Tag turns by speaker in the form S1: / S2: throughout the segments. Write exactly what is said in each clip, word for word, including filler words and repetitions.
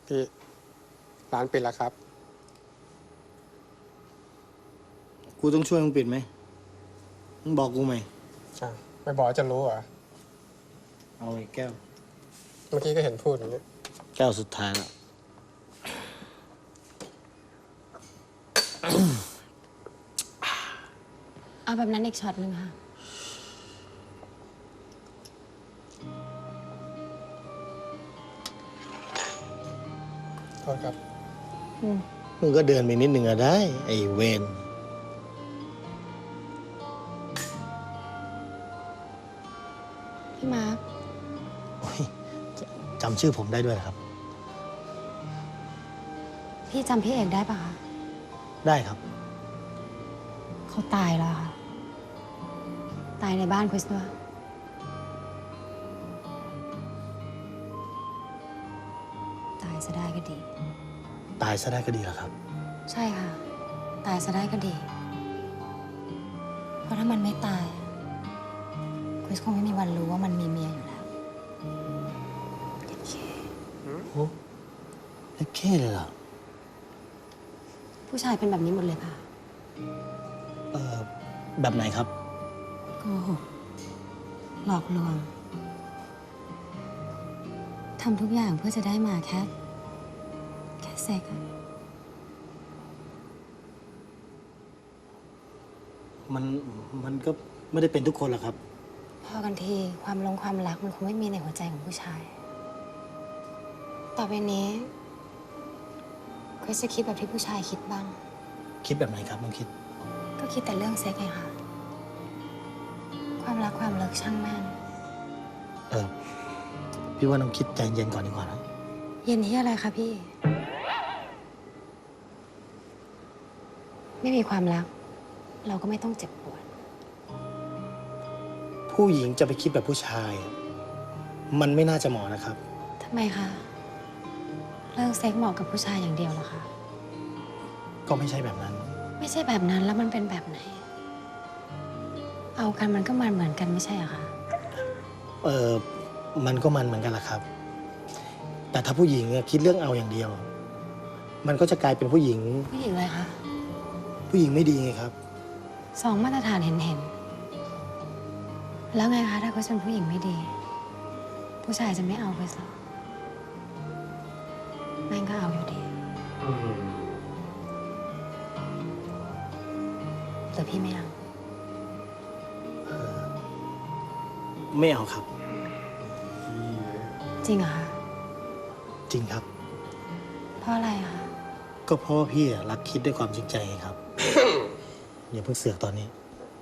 S1: พี่ร้านปิดแล้วครับ
S2: กูต้องช่วยมึงปิดไหมมึงบอกกูไหม
S1: ใช่ไม่บอกจะรู้เหรอ
S2: เอาไอ้แก้ว
S1: เมื่อกี้ก็เห็นพูดอย่างนี้
S2: แก้วสุดท้ายแล้ว
S3: เอาแบบนั้นอีกช็อตหนึ่งค่ะ
S1: โทษครับ
S2: มึงก็เดินไปนิดหนึ่งอะได้ ไอ้เวน
S3: พี่มาร์ค
S2: โอ้ยจำชื่อผมได้ด้วยครับ
S3: พี่จำพี่เอกได้ปะคะ
S2: ได้ครับ
S3: เขาตายแล้วค่ะ ตายในบ้านคริสด้วยตายซะได้ก็ดี
S2: ตายซะได้ก็ดีแล้วครับ
S3: ใช่ค่ะ ตายซะได้ก็ดี เพราะถ้ามันไม่ตายคริสคงไม่มีวันรู้ว่ามันมีเมียอยู่แล้วโอเค
S2: โอ้เล็กแค่เลยเหรอ
S3: ผู้ชายเป็นแบบนี้หมดเลยค่ะ
S2: เออแบบไหนครับ
S3: โกหกหลอกลวงทำทุกอย่างเพื่อจะได้มาแค่ แค่เซ็กอะ
S2: มันมันก็ไม่ได้เป็นทุกคนหรอกครับ
S3: พอกันทีความลงความรักมันคงไม่มีในหัวใจของผู้ชาย ต่อไปนี้คริสจะคิดแบบที่ผู้ชายคิดบ้าง
S2: คิดแบบไหนครับน้องคิด
S3: ก็คิดแต่เรื่องเซ็กไงค่ะ ความรักความเลิกช่างแม่ง
S2: เออ พี่ว่าน้องคิดใจเย็นก่อนดีกว่านะ
S3: เย็นที่อะไรคะพี่ ไม่มีความรัก เราก็ไม่ต้องเจ็บปวด
S2: ผู้หญิงจะไปคิดแบบผู้ชาย มันไม่น่าจะเหมาะนะครับ
S3: ทำไมคะ เรื่องเซ็กเหมาะกับผู้ชายอย่างเดียวเหรอคะ
S2: ก็ไม่ใช่แบบนั้น
S3: ไม่ใช่แบบนั้นแล้วมันเป็นแบบไหน เอากันมันก็มันเหมือนกันไม่ใช่เหรอคะ
S2: เออมันก็มันเหมือนกันแหละครับ แต่ถ้าผู้หญิงคิดเรื่องเอาอย่างเดียว มันก็จะกลายเป็นผู้หญิง
S3: ผู้หญิงอะไรคะ
S2: ผู้หญิงไม่ดีไงครับ
S3: สองมาตรฐานเห็นเห็นๆแล้วไงคะถ้าเขาเป็นผู้หญิงไม่ดี ผู้ชายจะไม่เอาไปหรอแม่งก็เอาอยู่ดีแต่พี่ไม่เอา
S2: ไม่เอาครับ
S3: จริงเหรอคะ
S2: จริงครับ
S3: เพราะอะไรอะคะ
S2: ก็เพราะว่าพี่รักคิดด้วยความจริงใจไงครับ อย่าเพิ่งเสือกตอนนี้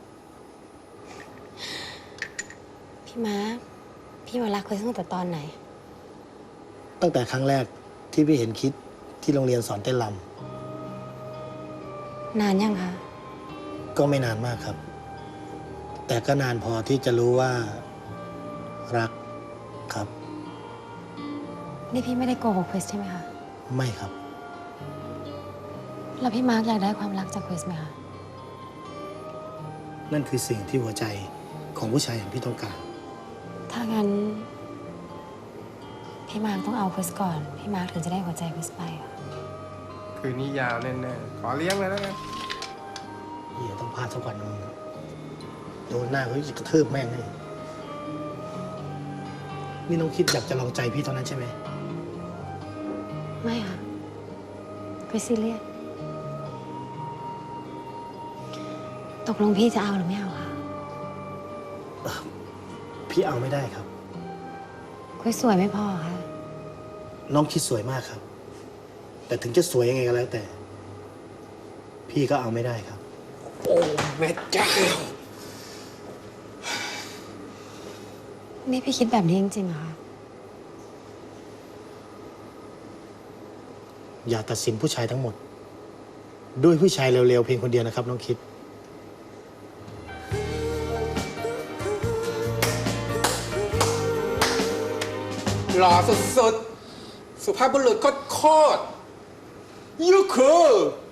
S3: พี่ม้าพี่มารักคริสตั้งแต่ตอนไหน
S2: ตั้งแต่ครั้งแรกที่พี่เห็นคิดที่โรงเรียนสอนเต้นร
S3: นานยังคะ
S2: ำก็ไม่นานมากครับ แต่ก็นานพอที่จะรู้ว่ารักครับ
S3: นี่พี่ไม่ได้โกหกคริสใช่ไหมคะ
S2: ไม่ครับ
S3: แล้วพี่มาร์กอยากได้ความรักจากคริสไหมคะ
S2: นั่นคือสิ่งที่หัวใจของผู้ชายอย่างพี่ต้องการ
S3: ถ้างั้น พี่มาร์กต้องเอาคริสก่อน พี่มาร์กถึงจะได้หัวใจคริสไปอะ
S1: คืนนี้ยาวแน่ๆขอเลี้ยงเลยแล้วกัน
S2: เฮียต้องพลาดสักวันนึงโดนหน้าเขาจะกระทืบแม่งเลยนี่น้องคิดอยากจะลองใจพี่เท่านั้นใช่ไหม
S3: ไม่ค่ะคริสซีเรียสตกลงพี่จะเอาหรือไม่เอาคะ
S2: พี่เอาไม่ได้ครับ
S3: คริสสวยไม่พอค่ะ
S2: น้องคิดสวยมากครับ แต่ถึงจะสวยยังไงก็แล้วแต่ พี่ก็เอาไม่ได้ครับ
S1: โอ้แม่เจ้า
S3: นี่พี่คิดแบบนี้จริงๆเหรอคะ
S2: อย่าตัดสินผู้ชายทั้งหมด ด้วยผู้ชายเร็วๆเพียงคนเดียวนะครับน้องคิด
S1: หล่อสุดๆ สุภาพบุรุษโคตรๆยูคู